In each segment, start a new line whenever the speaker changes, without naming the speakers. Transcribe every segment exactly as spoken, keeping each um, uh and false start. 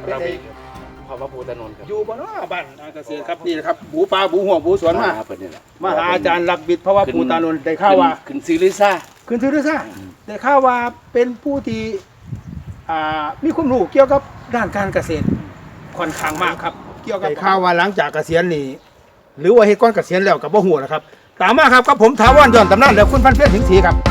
เรามีพอพระภูตานนท์ครับ
อยู่บ้านบ้านเกษตรครับนี่นะครับบูปลาบูหัวบูสวนมา
เปิดนี่แหละ
มาหาอาจารย์หลักบิดเพราะว่าภูตานนท์ได้ข่าวว่า
ขึ้นซีรีซ่า
ขึ้นชื่อด้วยซ่าได้ข่าวว่าเป็นผู้ที่อ่ามีความรู้เกี่ยวกับด้านการเกษตรค่อนข้างมากครับเกี่ยวกับได้ข่าวว่าหลังจากเกษียณนี่หรือว่าเฮ็ดก่อนเกษียณแล้วกับบ่ฮู้นะครับตามมาครับกับผมถาวรย้อนตำนานและคุณพันเพียรสิงห์ศรีครับ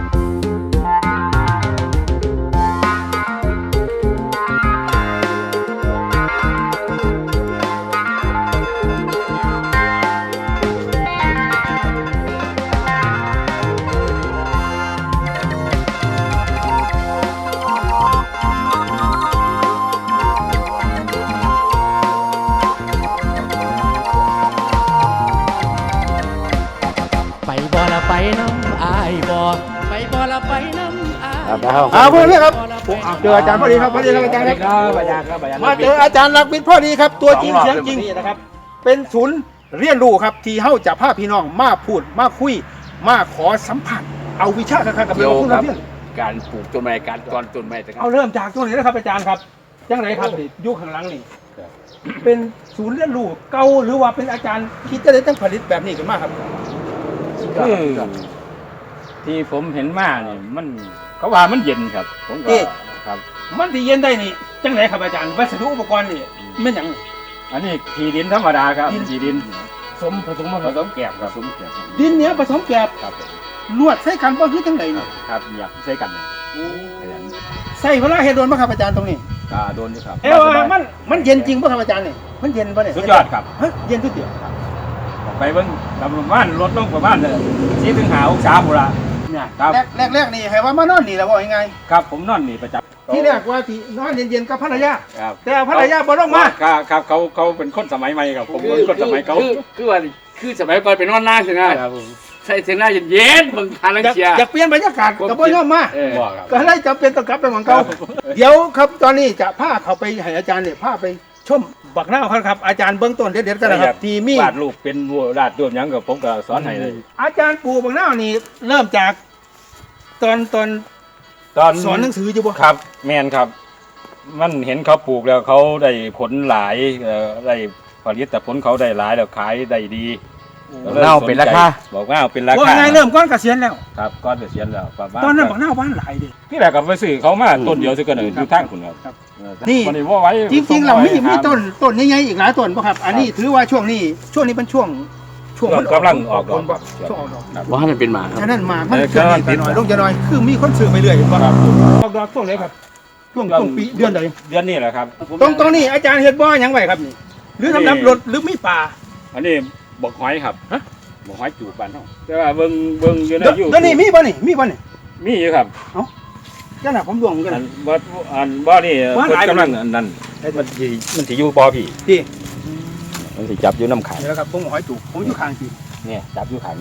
ไปบ่ละไปน้ำอายบ่ไปบ่ละไปน้ำอาย
ครับ
อ่าพอดีครับผมเจออาจารย์พอดีครับพอดีครับอาจารย์ครับ
อาจารย์ครับอาจารย์
มาเจออาจารย์หลักบิดพอดีครับตัวจริงเสียงจริงนะครับเป็นศูนย์เรียนรู้ครับที่เฮาจะพาพี่น้องมาพูดมาคุยมาขอสัมผัสเอาวิชาคักๆกับ
เกี่ยว
คุณ
กับ
เพียร
การปลูกต้นไม้การกรต้นไม้ต่าง
เอาเริ่มจากตรงนี้นะครับอาจารย์ครับจังไหนครับนี่ยุคข้างหลังนี่เป็นศูนย์เรียนรู้เก่าหรือว่าเป็นอาจารย์คิดจะได้ตั้งผลิตแบบนี้ขึ้นมาครับ
คือที่ผมเห็นมาเนี่ยมันเขาว่ามันเย็นครับ ผมก็ครับ
มันที่เย็นได้นี่จังไหนครับอาจารย์วัสดุอุปกรณ์นี่มันหยัง
อันนี้ขีดินธรรมดาครับขีดิน
สมผสมมา
ผสมแกบครับผสมแกบ
ดินเนี้ยผสมแกบ
ครับ
ลวดใส่กันบ่คือจังไหนนี่
ครับอยากใช้กันขยัน
ใส่เวลาเฮ็ดโดนบ่ครับอาจารย์ตรงนี้
กาโดนอยู่ครับ
เอ้ว่ามันมันเย็นจริงป่ะครับอาจารย์เนี่ยมันเย็นป่ะเนี่ย
สุดยอดครับ
เฮ้ยเย็นทุกเดียว
ออกไปเบิ่งประมาณลดลงประมาณสี่ถึงห้าองศาหมดละ
เนี่ย
ครับ
แรกแรกแรกนี่ให้ว่ามานอนนี่แล้วว่ายังไง
ครับผมนอนนี่ประจำ
ที่แรกว่าที่นอนเย็นๆกับภรรยา
ครับ
แต่ภรรยาบ่ลงมา
ครับครับเขาเขาเป็นคนสมัยใหม่ครับผมเป็นคนสมัยเก่า
คือคือว่าคือสมัยก่อนเป็นนอนหน้าใช่ไหมใส่เสียงหน้าเย็นๆมึงทานลัง
อยาก
เชียร์
อยากเปลี่ยนบรรยากาศก็บ่ยอมมา
เออ
บอกครับ
ก็เลยจำเป็นต้องกลับไปเหมือนเก่าเดี๋ยวครับตอนนี้จะพาเขาไปให้อาจารย์เนี่ยพาไปชมบักหน้าวครับครับอาจารย์เบื้องต้นเด็ดๆกันนะครับที่มี
วาดรูปเป็นวัววาดรูปหยังกับผมก็สอนให้เลย
อาจารย์ปลูกบักหน้าวนี่เริ่มจากตอนตอน
ตอน
สอนหนังสืออยู่บ่
ครับแมนครับ มันเห็นเขาปลูกแล้วเขาได้ผลหลายเอ่อได้ผลิตแต่ผลเขาได้หลายแล้วขายได้ดีก็ลย
เน่าเป็นราคา
บอกว่าเอาเป็นรา
ว่า
คา
ไงเริ่มก้อนเกษียณแล้ว
ครับก้อนเกษียณแล้วประมาณ
ตอนนั้นบักหน้าวบ้านหลายเดิ
ที่แรกก็ไปซื้อเขามาต้นเดียวซื้อกันเลยอยู่ทางคุณครับ
ครับ
เออ
นี่
วันนี้ว่าไว้
จริงๆเรามี
ส่งไว้
มี
หา
ต้นต้นใหญ่ๆอีกหลายต้นป่ะครับ อันนี้ถือว่าช่วงนี้ช่วงนี้เป็นช่วงช่วง
ช่วงกำลังออกดอก
ผลบ่ช่วงออกดอก
ครับ
ว่าให้มันเป็นหมาครับ
ฉะนั้นมามัน
เออ
เกิด
ก็
ไปหน่อย
ติด
ลงจะหน่อยคือมีคนซื้อไปเรื่อยป่ะ
ครับ
ออกดอกช่วงไหนครับช่วงช่วงปีเดือนใด
เดือนนี้แหละครับ
ตรงตรงนี้อาจารย์เฮ็ดบ่อหยังไว้ครับนี่หรือสำหรับรถหรือมีป่า
อันนี้บอกหอยครับ
ฮะ
บอกหอยจูบบ้านเขาแต่ว่าเบิ่งเบิ่งอยู่ใน
เดี๋ยว
ยู
เดี๋ยวนี้มีบ่นี่มีบ่นี่
มีอยู่ครับ
จังน่ะผมดวงกัน
อั
น่ะ
นบ่อันบ่นี่
ว่าหลาย
เพิ่นกำลังอันนั้นมันสิมันสิอยู่บ่พี่
พี่
มันสิจับอยู่น้ำขัง
เดี๋ยวครับผมหอยจูบผมอยู่ข้างพี่
เนี่ยจับอยู่ขัง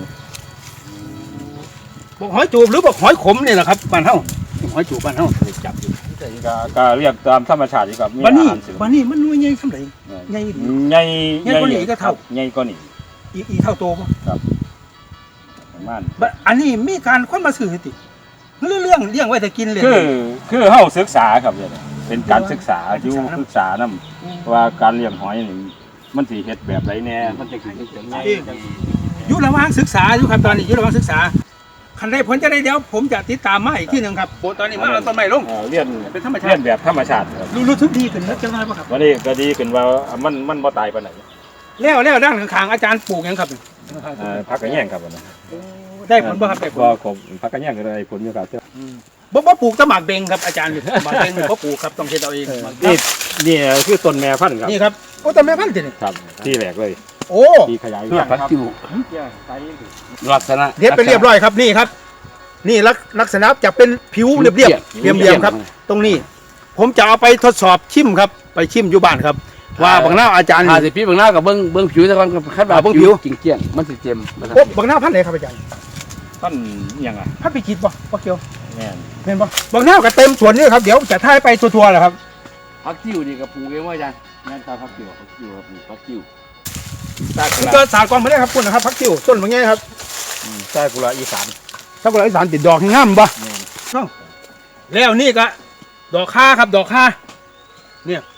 บอกหอยจูบหรือบอกหอยขมนี่แหละครับบ้านเฮาหอยจูบบ้านเฮา
สิจับอยู่ก็ก็เรียกตามธรรมชาติอยู่ครับมี
บ้านนี้
อาหารเสริม
บ้านนี้มันหน่วยใหญ่สำาใดใหญ่ดี
ใหญ่
ใหญ่กว่านี้ก็เท่า
ใหญ่กว่านี้
อีอีเท่าโตบ่
ประมาณ
บะอันนี้มีการคนมาซื้อติเรื่องเรื่องเลี้ยงไว้แต่กินเลย
คือคือเฮาศึกษาครับเนี่ยเป็นการศึกษาอยู่
ศึกษานำ
ศึกษานำว่าการเลี้ยงหอยนี่มันสิเฮ็ดแบบใดแน่มันจะสิจังได๋
อยู่ระหว่างศึกษาอยู่ครับตอนนี้อยู่ระหว่างศึกษาคันได้ผลจะได้เดี๋ยวผมจะติดตามมาอีกที่หนึ่งครับโอ้ตอนนี้มาเอาต้นไม้ลง
เอ่อเรียน
เป็นธรรมชาติ
เรียนแบบธรรมชาติครับ
รู้รู้สึกดีขึ้นนะจังไรป่ะครับ
วันนี้ก็ดีขึ้นว่ามันมันบ่ตายปานไหน
แล้วแล้วด้านข้างๆอาจารย์ปลูกหยังครับ
เอ่อพักกระแยงครับวันนี้
ได้ผลบ่ครับได้ผล
ก็ผมพักกระแยงก็ได้ผลอยู่ครับ
บ่บ่ปลูกแตะหมากเบงครับอาจารย์หมากเบงบ่ปลูกครับต้องเฮ็ดเอาเอง
นี่นี่คือต้นแม่พันธุ์ครับ
นี่ครับโอ้ต้นไม้พันธุ์ตินี่
ครับที่แรกเลย
โอ้
ที่ขยาย
เพื่อพัก
ครับ
จิ๋วลักษณะ
เด็ดไปเรียบร้อยครับนี่ครับ นี่ลักลักษณะจะเป็นผิวเรียบเรียบเรียบเรียบครับ ตรงนี้ ผมจะเอาไปทดสอบชิมครับ ไปชิมอยู่บ้านครับ ว่าบางหน้าอาจารย์
หาสิพี่บางหน้ากับเบิ้งเบิ้งผิวแต่ก่อนกับคัดแบบผิวจริงเจียงมันสิเจียมมัน
โอ้บางหน้าพันธุ์ไหนครับอาจารย์
ต้นอิหยังอ่ะ
พันธุ์ปีกิดบ่บ่เกี่ยว
แม่น
เห็นบ่บางหน้าก็เต็มสวนนี่ครับเดี๋ยวจะถ่ายไปทัวร์ๆแหละครับ
พักจิ๋วนี่กับปลูกเองว่าอาจารย์งานตาพักจิ๋วพักจิ๋วครับพักจิ๋ว
ซากุ
มัน
ระ
เกิดสากรมาได้ครับคุณนะครับพักติ้วต้นบางแง่ครับ
ซากุระอีสาน
ถ้าคนอีสานติดดอกให้งามบ่เอ้าแล้วนี่ก็ดอกค่าครับดอกค่าเนี่ย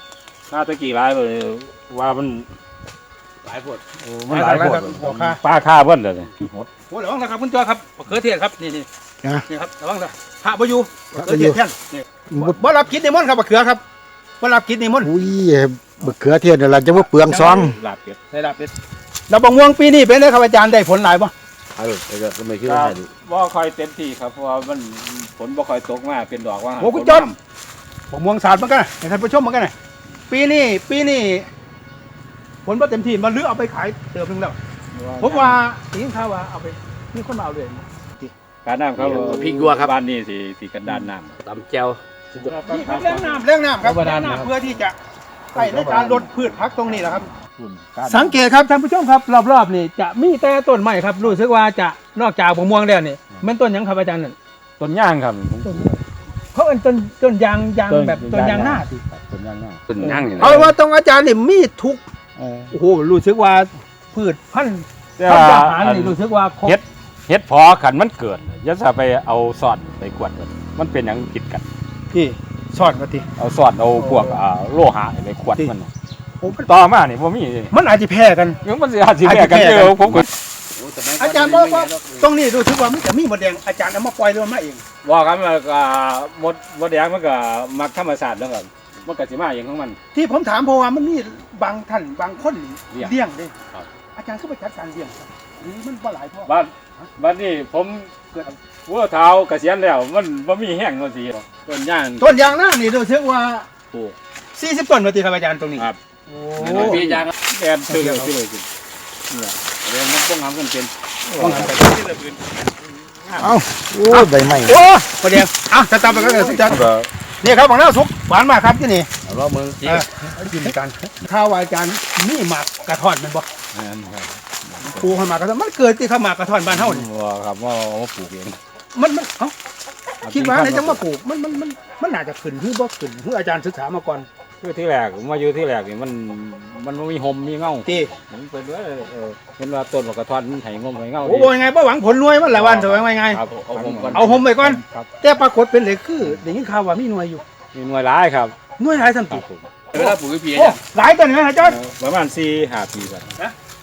หน้าตะกี้หลายเลยว่ามัน
หลายปวด
โอ้มันหลาย
หลาย
ค
ครั
น
บบอกค่ะ
ป้าฆ่าเพิ่นเลยหมด
โอ้ระวังนะครับคุณจอยครับมะเขือเทศครับนี่นี่
นะ
นี่ครับระวังนะพระบอยู่มะเขือเทศ
พระบ่อยู่
แท่นนี่บ่รับกินนิมนต์ครับมะเขือครับบ่รับกินนิมนต์
อุ้ยมะเขือเทศนี่ล่ะจะว่าเปลืองซอง
ลาบเป็ด
ได้รับเป็ดแล้วบางม่วงปีนี้เป็นไงครับอาจารย์ได้ผลหลายบ่
เอาเลยไอ้ก็ไม่คิด
ค
ว่า
รับบ่ค่อยเต็มที่ครับเพราะว่ามันฝนบ่ค่อยตกมาเป็นดอกว่า
โอ้คุณจอยบางม่วงสาดเหมือนกันนะให้ท่านผู้ชมเหมือนกันนะปีนี้ปีนี้ผลบ่เต็มที่มันเหลือเอาไปขายเติมนึงแล้วผมว่าได้ยินข่าวว่าเอาไปมีคนมาเอาเลย
การน้ำครับ
พริกยัวครับ
บ้านนี้สิสิกันดานน้ำ
ตำแจ่ว
นี่ครับเรื่องน้ำเรื่องน้ำครับเรื่องน้ำเพื่อที่จะใส่ในการลดพืชพักตรงนี้แหละครับ สังเกตครับท่านผู้ชมครับรอบๆนี่จะมีแต่ต้นไม้ครับรู้สึกว่าจะนอกจากมะม่วงแล้วนี่มันต้นหยังครับอาจารย์นั่น
ต้นย่างครับ
เขาเอิ้นต้นต้นยางยางแบบต้นยางหน้าสิ
ต้นย่างหน้า
เป็นย่างอยู่นะ
เอาว่าตรงอาจารย์นี่มีทุก
เออ
โอ้โหรู้สึกว่าพืชพันธุ์
แต่
พัน
ว่า
ธุ์อาหารนี่รู้สึกว่าครบ
เฮ็ดเฮ็ดพอขันมันเกิดอย่าจะไปเอาซอดไปกวดมันมันเป็นหยังผิดกัน
ที่สอดมาที
เอาซอดเอาพวกอ่าโลหะไปขวดมัน
โอ้มัน
ต่อมานี่บ่มี
มันอาจจะแพ้กัน
มันสิอาจสิแพ้กัน
อาจจะแพ้กัน
เด้อผมก็
อาจารย์บอกว่าตรงนี้รู้สึกว่ามันจะมีมดแดงอาจารย์เอามาปล่อยหรือว่ามาเอง
ว่ากันว่าอ่ามดมดแดงมันก็มักธรรมชาติแล้วกันมันก็สิมาเองของมัน
ที่ผมถามเพราะว่ามันมีบางท่านบางคน
เลี้ยง
เลี้ยงเด้
ครับ
อาจารย์ก็ไปจัดการเลี้ยงครับหรือมันบ่หลายพ่อ
บ้านบ้านนี้ผมวัวเท้าเกษียณแล้วมันบ่มีแห้งจังซี่ต้นย่าง
ต้นยางหน้านี่รู้สึกว่า
ปลูก
สี่สิบต้นมาตีครับอาจารย์ตรงนี้
ครับ
โอ้
น้อยพี่ย่าง
แอนตื่นเลยสิเลยสิเนี่ยเรื่องมันต้องทำกันเป็น
ต้องหันไป
เอ้าโอ้ยใบไม้
โอ้ประเดี๋ยวอ่ะจะตามไปกันเลยอาจารย์นี่ครับบางหน้าสุกหวานมากครับที่นี่
เอาล้อมือจี
เออกินกันข้าวว่าอาจารย์นี่หมากกระท่อนแมันบ่
นั่นครับ
ปลูกให้หมากกระท่อนมันเกิดที่ข้าวหมากกระท่อนบ้านเฮานี่
ว่าครับว่าเอามาปลูกเอง
มันมันเอ้าคิดว่าในจังมาปลูกมันมันมันมันน่าจะขึ้นหรือบ่ขึ้นหรืออาจารย์ศึกษามาก่อน
คือที่แรกผมมาอยู่ที่แรกนี่มันมันบ่มีห่มมีเงา
ตี
ผมเป็นว่าเออเห็นว่าต้นมะกระท้อนมันไห้งมไห้เงา
โอ้โหยังไงบ่หวังผลรวยมันหลายวันเถอะว่าไง
ครับ
เอาผมก่อน
เอาห่มไปก่อน
ครับ
แต่ปรากฏเป็นเลยคือได้ยินข่าวว่ามีหน่วยอยู่
มีหน่วยร้ายครับ
หน่วยหลายสัน
ครั
ติ
บผม
เวลาปลูกพี่
โอ้หลายต้นนะอาจารย์
เออประมาณสี่ห้าปีกัน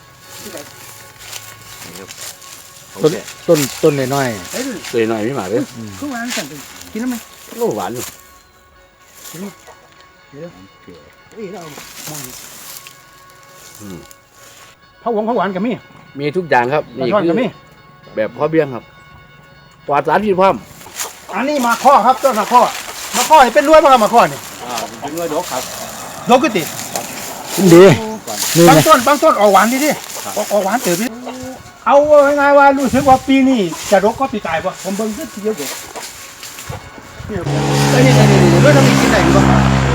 ต้นต้นต้นน้อย
เอ้ย
ตัวหน่อยไม่มาเลย
คือว่าสันติกินได้ไหม
โลหวานอยู่
เอ้ยเรามอง
อืม
เผาหวงเผาหวานกับมี
มีทุกอย่างครับ
ปลา
นี่
ช่อน
คื
กับ
อ
มี
แบบพ่อเบี้ยงครับปลอดสารพิษพร้อม
อันนี้มาข้อครับต้นมาข้อมาข้อให้เป็นรวยป่ะครับมาข้อนี่
อ่าเป็นหน่วยดอกครับ
โลกุติ
ๆดีนี่
บาง
นะ
ต้นบางต้นออกหวานดิดิออกออกหวานเติบดิเอาง่ายๆว่ารู้สึกว่าปีนี้จะรกก็ปีกายป่ะผมเบิ่งขึ้นทีเดียวเด็กนี่ไอ้นี่นี่นี่นี่เรื่องทำอีกที่ไหนบ้าง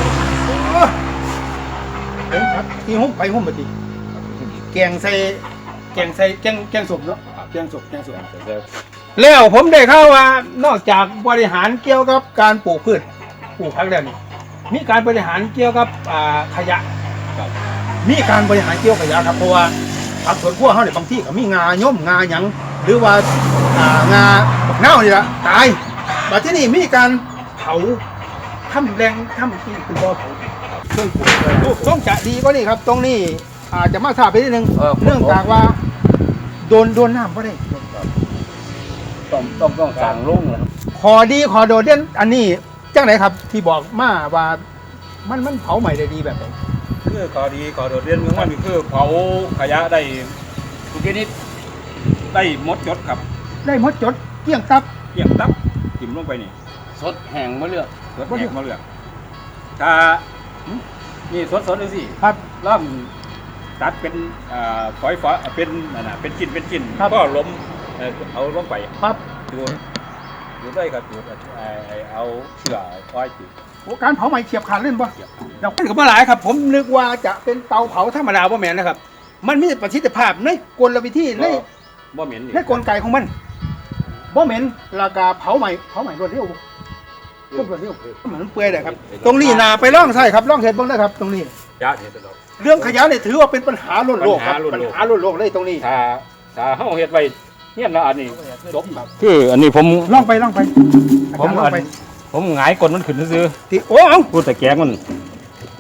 เห็นครับที่หุ้มไปหุ้มมาทีแกงใส่แกงใส่แกงแกงสมเนาะแกงสมแกงสม แล้วผมได้ข่าวว่านอกจากบริหารเกี่ยวกับการปลูกพืชปลูกผักแล้วนี่มีการบริหารเกี่ยวกับอ่าขยะ
ครับ
มีการบริหารเกี่ยวกับขยะครับเพราะว่าผักสวนครัวเขาเนี่ยบางที่ก็มีงาย่อมงาหยังหรือว่าอ่างาบักเน่านี่ละตายแต่ที่นี่มีการเผาทำแรงทำที่คือบ่อเผาเครื่องปลูกเลยรูปทรงจะดีกว่านี่ครับ ตรงนี้อาจจะมาทราบไปนิดนึงเนื่องจากว่าโดนโดนน้ำก็ได้
ต้องต้องต้องสั่งลุงนะครับ
ขอดีขอโดดเด่นอันนี้จังไหนครับ ที่บอกมาว่ามันมันเผาใหม่ได้ดีแบบไหน
คือขอดีขอโดดเด่นของมันนี่คือเผาขยะได้
ทุกชนิด
ได้หมดจดครับ
ได้หมดจดเกลี้ยงตับ
เกี่ยงตับจิ้มลงไปนี่
สดแห้งมะเลือก
รถแหกมาเลือกถ้านี่สดๆดูสิ
ครับ
เริ่มตัดเป็นอ่าฝอยฝอยเป็นนั่นน่ะเป็นชิ้นเป็นชิ้น
ครับ
ก็ล้มเอ่อเอาลงไป
ครับ
ดูดูได้ครับดูไอ้ไอ้เอาเชือกอ้อยจุด
โอ้การเผาใหม่เฉียบขาดเล่นปะ
เกี่ยว
ดอกมันก็บ่หลายครับ ผมนึกว่าจะเป็นเตาเผาธรรมดาบ่แม่นนะครับ มันมีประสิทธิภาพในกลวิธีใน
บ่เหม็นนี่
ในกลไกของมันบ่เหม็นราคาเผาใหม่เผาใหม่รวดเร็วรวดเร็วเหมือนเปื่อยเลยครับ ตรงนี้นาไปล่องใช่ครับล่องเห็ดเบ้างได้ครับ ตรงนี้
ยะเนี่ยตลอด
เรื่องขยะเนี่ยถือว่าเป็นปัญหาล้นโลกครับ
ปั
ปั
ญ
ญ
หา
หา
ล้
ล้
น
น
โล
โล
ก
กเลยตรงนี้
ถ้าถ้าเฮาเฮ็ดไว้เนี่ยนะอันนี้จบคืออันนี้ผม
ล่องไปล่องไป
ผม
อาจารย์ล่
อั
อน งไป
ผมหงายกดมันขึ้นซื่อ
ที่โอ้เอา
ๆพูดแต่แกงมัน
เฮ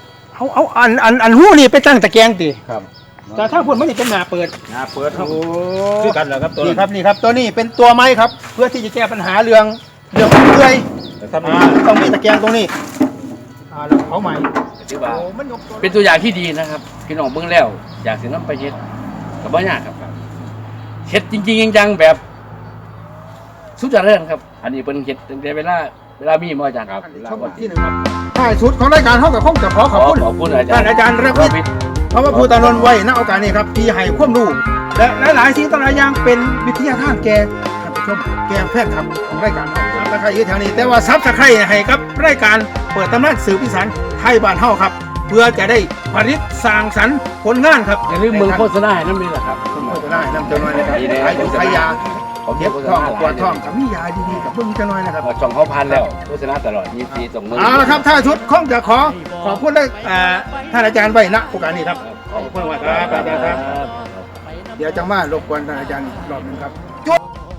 เอาเอาอันอันอันหู้นี่ไปตั้งตะแกรงติ
ครับ
แต่ถ้าพุ่นมันนี่เป็นหน้าเปิด
หน้าเปิดครับ
โอ้
คือกันเหรอครับตัว
นี่ครับนี่ครับตัวนี้เป็นตัวไม้ครับ เพื่อที่จะแก้ปัญหาเรื่องเรื่องเลื่อย
แต่ถ้า
อ่าต้องมีตะแกรงตรงนี้อ่าแล้วเผาใหม่
ถือว่า
โอ้มันยกตัว
เป็นตัวอย่างที่ดีนะครับพี่น้องเบิ่งแล้วอยากสินำไปเฮ็ดก็บ่ยากครับเฮ็ดจริงๆจังๆแบบสุดยอดเลยครับ อันนี้เพิ่นเฮ็ดตั้งแต่เวลาเวลามีบ่อาจารย์ครับ
ชมที่หนึ่งครับท้ายสุดของรายการเขากับคงจะขอข
ข
อ
อ
บบคุณ
ขอบคุณอาจาร
ท่าน
ย์
อาจารย์ระวิทย์ เพราะว่าภูตานนท์ไว้ณโอกาสนี้ครับที่ให้ความรู้และหลายๆสิ่งต่างๆอย่างเป็นวิทยาทานแก่ท่านผู้ชมแก่แพทย์ครับของรายการเราซับสไครต์อยู่แถวนี้แต่ว่าซับสไครต์ให้กับรายการเปิดตำนานสื่อพิสานไทยบ้านเฮาครับ เพื่อจะได้ผลิตสร้างสรรค์ผลงานครับ
อย่าลืมเมืองโฆษณาให้น้ำนี่แหละครับ
โฆษณาให้นำจังหน่อยนะครับ
ดีเลย
ขายอยู่ขายยา
ผม
เจ็บ
โฆษ
ท้อง
ณา
ปวดท้องกับมียาดีๆกับเบิ่งจังหน่อยนะครับ
ช่องเขาพันแล้วโฆษณาตลอดมีฟรีส่งมือ
เอาละครับถ้าชุดคงจะขอขอบคุณได้อ่าท่านอาจารย์ไว้ณโอกาสนี้ครับขอบคุณมากครับอาจารย์ครับ เดี๋ยวจะมารบกวนท่านอาจารย์อีกรอบหนึงครับ